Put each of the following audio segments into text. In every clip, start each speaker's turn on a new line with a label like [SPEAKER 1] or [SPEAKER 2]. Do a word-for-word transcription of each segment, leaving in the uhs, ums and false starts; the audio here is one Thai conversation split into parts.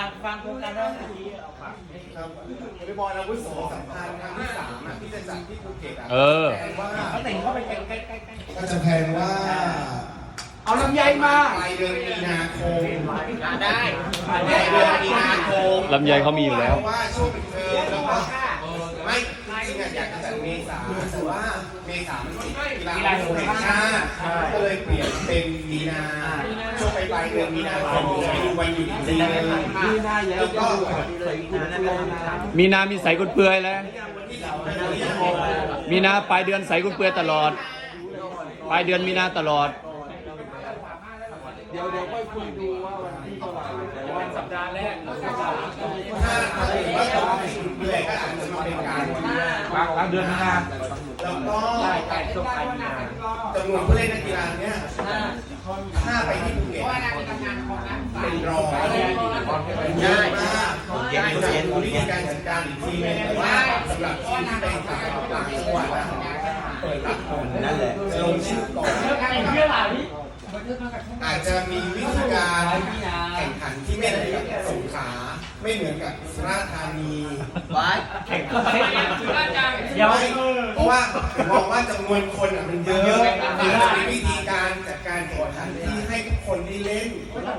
[SPEAKER 1] ากฟังโครงการเราเมื่อกี้
[SPEAKER 2] ครับวอลเลย์บอลอาวุโสสัมพันธ์ครั้งที่สามอ่ะที่จะจัดที่ภูเก็ตอ่ะ
[SPEAKER 3] เออ
[SPEAKER 2] แพนว่า
[SPEAKER 1] เขาแต่งเข้าไปใกล้ใกล้ใกล้
[SPEAKER 2] ก็จะแพนว่า
[SPEAKER 1] เอาลำไยมา
[SPEAKER 2] ปลายเดือนมีนาคม
[SPEAKER 1] ได้ปลาย
[SPEAKER 2] ปลายเดือนมีนาคม
[SPEAKER 3] ลำไยเขามีอยู่แล้ว
[SPEAKER 2] เพราะว่าช่วงปิดเทอมแล้วก็ไม่จริงๆอยากจะจัดเมษาแต่ว่าเมษามันติดกีฬาแห่งชาติก็เลยเปลี่ยนเป็นมีนาช่วงปลายเดือนมีนาคมไปดูวันหยุดจริงๆแล้วก็
[SPEAKER 3] มีนามีใสกุนเปื่อยแล้ว มีนาปลายเดือนใสกุนเปื่อยตลอด ปลายเดือนมีนาตลอด
[SPEAKER 1] เดี๋ยวเดี๋ยวค่อยคุยดูว่าวันที่เท่าไหร่แต่วันสัปดาห์แรก
[SPEAKER 2] ถ้าถ้าเกิดว่าเราเหนื่อยก็อาจจะมาเป็นการ
[SPEAKER 1] กลางเดือนมีนา
[SPEAKER 2] แล้วก็
[SPEAKER 1] ใช่ใช่ช่วงปลายมีนา
[SPEAKER 2] จำนวนผู้เล่นนักกีฬาเนี่ยถ้าไปที่ภูเก็ตเป็นร้อยเยอะมากอยากจะรู้วิธีการจัดการอีกทีนึงแต่ว่าสำหรับทีมที่ไปต่างต่างจังหวัดอะเปิดรับก่อนนั่นแหละจะลงชื่อก่อนอาจจะมีวิธีการแข่งขันที่ไม่เหมือนกับสงขลาไม่เหมือนกับสุราษฎร์ธานีแข่งขันเดี๋ยวเพราะว่าผมมองว่าจำนวนคนอ่ะมันเยอะอาจจะมีวิธีการจัดการแข่งขันที่ให้ทุกคนได้เล่น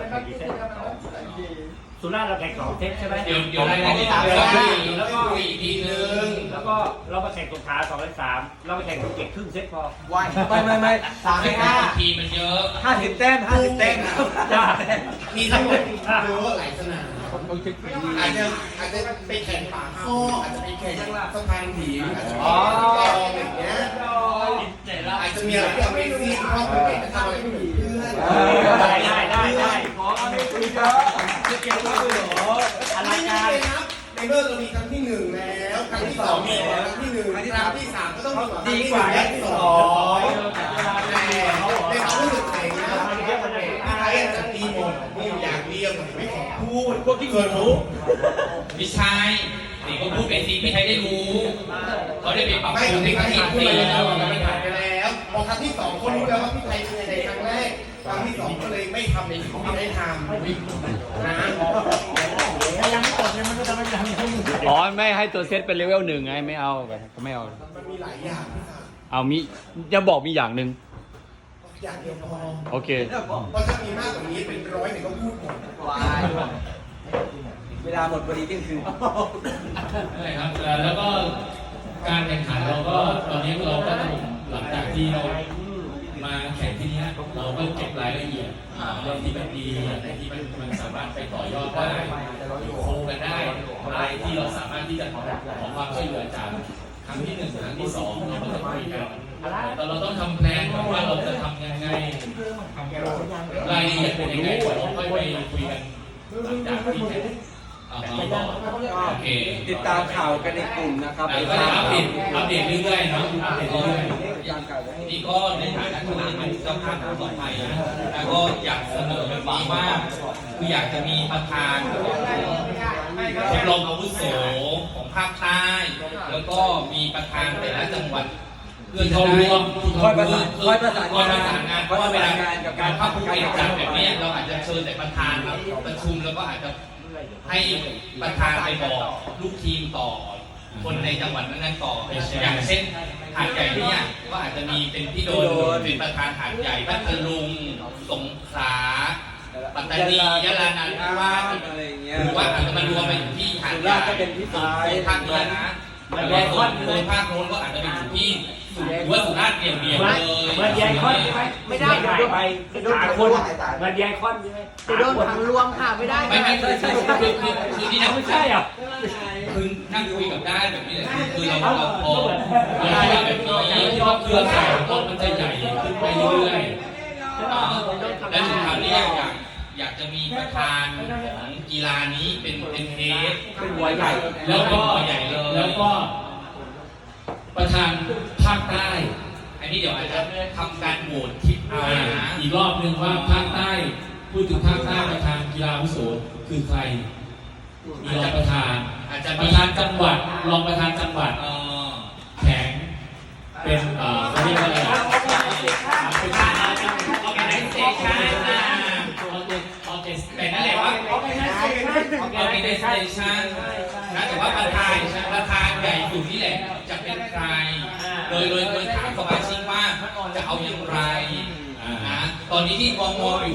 [SPEAKER 1] สุราษฎร์เราแข่งสองเซตใช่ไหม
[SPEAKER 4] เดี๋ยวเดี๋ยวรายละเอียด
[SPEAKER 1] แล้วก็
[SPEAKER 4] อีกทีนึง
[SPEAKER 1] แล้วก็เรามาแข่งสงขลาสองและสามเราไปแข่งภูเก็ตครึ่งเซตพอ
[SPEAKER 5] ไม่ไม่ไม่สามให้ห้า
[SPEAKER 4] ทีมันเยอะ
[SPEAKER 5] ห้าสิบแต้มห้าสิบแต้ม
[SPEAKER 1] จ้า
[SPEAKER 2] มีทั้งหมดเยอะหลายสนามอาจจะอาจจะไปแข่งป่าข้ออาจจะไปแข่งสะพานหินอาจจะไปแข่งกองอะไรอย่างเงี้ยอาจจะมีอะไรที่เอาไม่ซีเพราะภูเก็ตจะทำอะไรไม่เหมือนเพื่อน
[SPEAKER 1] ได้ได้ได้ได้ขอไม่คุยกันจะเกี่ยวกับเหรออะไร
[SPEAKER 2] ไม่
[SPEAKER 1] กั
[SPEAKER 2] ได้
[SPEAKER 1] น
[SPEAKER 2] เลยครับในเมื่อเรามีครั้งที่หนึ่งแล้วครั้งที่สองมีแล้วครั้งที่หนึ่งครั้งที่สามก็ต้องดีกว่าครั้งที่สองแต่ในความรู้สึกเองนะพี่ไทยจะตีหมดมีอยู่อย่างเดียวไม่ขอพูดพวกที่เกินรู้
[SPEAKER 4] พี่ชายนี่ก็พูดไปสิพี่ชายได้รู้เขาได้ไปปรับ
[SPEAKER 2] ไม่
[SPEAKER 4] ปรุง
[SPEAKER 2] ถึง
[SPEAKER 4] ใน
[SPEAKER 2] ค
[SPEAKER 4] ค
[SPEAKER 2] รั้
[SPEAKER 4] รั้
[SPEAKER 2] ง
[SPEAKER 4] ง
[SPEAKER 2] ที่
[SPEAKER 4] ที่
[SPEAKER 2] พูด
[SPEAKER 4] สี่
[SPEAKER 2] ไป
[SPEAKER 4] แล้
[SPEAKER 2] แล้ว วมันผ่านไปแล้วพอครั้งที่สองคนรู้แล้วว่าพี่ไทยเป็นยังไงครั้งแรกครั้งที่สองก็เลยไม่ทำในสิ่งที่ได้ทำนะ
[SPEAKER 1] ยังไม่จบเลยมันก็จะไม่ทำอย่างนี้
[SPEAKER 3] อ๋อไม่ให้ตัวเซตเป็นเลเวลหนึ่งไงไม่เอาก็ไม่เอา
[SPEAKER 2] มันมีหลายอย่างที่ท
[SPEAKER 3] เอามีจะบอกมีอย่างหนึ่ง
[SPEAKER 2] ำอย่างเดียวพอ
[SPEAKER 3] โอเค
[SPEAKER 2] เพราะถ้ามีมากกว่านี้เป็นร้อยเนี่ยก็พูดหมด
[SPEAKER 5] วายเวลาหมดพอดีเที่ยงคืน
[SPEAKER 4] ใช่ครับแล้วก็การแข่งขันเราก็ตอนนี้เราก็ต้องหลังจากที่เรามาแข่งที่นี้เราก็เก็บรายละเอียดเรื่องที่มันดีอะไรที่มันมันสามารถไปต่อยอดได้โคกันได้อะไรที่เราสามารถที่จะขอความช่วยเหลือจากครั้งที่หนึ่งครั้งที่สองเราก็จะคุยกันแต่เราต้องทำแผนว่าเราจะทำยังไงรายละเอียดเป็นยังไงเดี๋ยวเราค่อยไปคุยกันหลังจากที่แข่งโอเค
[SPEAKER 5] ติดตามข่าวกันในกลุ่มนะครับ
[SPEAKER 4] แล้วก็อัปเดตอัปเดตเรื่อยๆเนาะอัปเดตเรื่อยๆ
[SPEAKER 5] การข่าวให้
[SPEAKER 4] นี่ก็ในฐานะที่เป็นเจ้าภาพของคนไทยนะแล้วก็อยากเสนอแบบนี้ว่าคืออยากจะมีประธานชมรมอาวุโสของภาคใต้ แล้วก็มีประธานแต่ละจังหวัดเพื่อจะได้
[SPEAKER 5] คอยประสานคอยประสาน
[SPEAKER 4] คอยประสานงานเพราะว่าเวลา
[SPEAKER 5] กับ
[SPEAKER 4] การภาคภูเก็ตจัดแบบนี้เราอาจจะเชิญแต่ประธานมาประชุมแล้วก็อาจจะให้ประธานไปบอกลูกทีมต่อคนในจังหวัดนั้นๆต่ออย่างเช่นหาดใหญ่เนี่ยก็อาจจะมีเป็นพี่โดนเป็นประธานหาดใหญ่พัทลุงสงขลาปัตตานียะลานันทาวาส
[SPEAKER 5] อะไรอย่างเงี้ย
[SPEAKER 4] หรือว่าอาจจะมารวมไปอยู่ที่หาดใหญ่
[SPEAKER 5] สุราษฎร์ก็เป็นพี่สาย
[SPEAKER 4] ส่วนภาคเหนือนะแล้วส่วนส่วนภาคโน้นก็อาจจะไปอยู่ที่หรือว่าสุราษฎร์เดี่ยวๆเลย
[SPEAKER 1] เหมือนยายคอนใช่ไหมไม่ได้เดี๋ยวโดนไปสามคนเหมือนยายคอนใช่ไหม
[SPEAKER 6] จะโดนขังรวมค่ะไม่ได้
[SPEAKER 4] ไม่ไม่ใช่ใช่คือคือคือที่นั่ง
[SPEAKER 1] ไม่ใช่อ่ะ
[SPEAKER 4] คือนั่งคุยกับได้แบบนี้แหละคือเราเราพอเราคิดว่าแบบนี้ที่ว่าเครือข่ายต้นมันจะใหญ่ขึ้นไปเรื่อยๆและถึงคราวนี้อยากอยากจะมีประธานของกีฬานี้เป็นเป็นเทส
[SPEAKER 1] เป็นหัวใหญ่
[SPEAKER 4] แล้วก็ใหญ่เลยแล้วก็ประธานภาคใต้ อันนี้เดี๋ยวอาจจะทำการโหวตคิดเอานะ
[SPEAKER 7] อีกรอบหนึ่งว่าภาคใต้ พูดถึงภาคใต้ประธานกีฬาอาวุโสคือใคร มีรองประธาน
[SPEAKER 4] อาจจะ
[SPEAKER 7] ป
[SPEAKER 4] มี
[SPEAKER 7] ระธานจังหวัดรองประธานจังหวัด
[SPEAKER 4] เอ่อ
[SPEAKER 7] แข็งเป็นเอ่อเขาเรียกว่าอะไรเป็น
[SPEAKER 4] ออแกไนเซชันนะแต่นั่นแหละว่า
[SPEAKER 1] เอาไปนะ
[SPEAKER 7] organization นะแต่ว่าประธานประธานใหญ่สุดนี่แหละจะเป็นใคร โดยโดยโดยถามสมาชิกว่าจะเอาอย่างไรนะตอนนี้ที่มองมองอยู่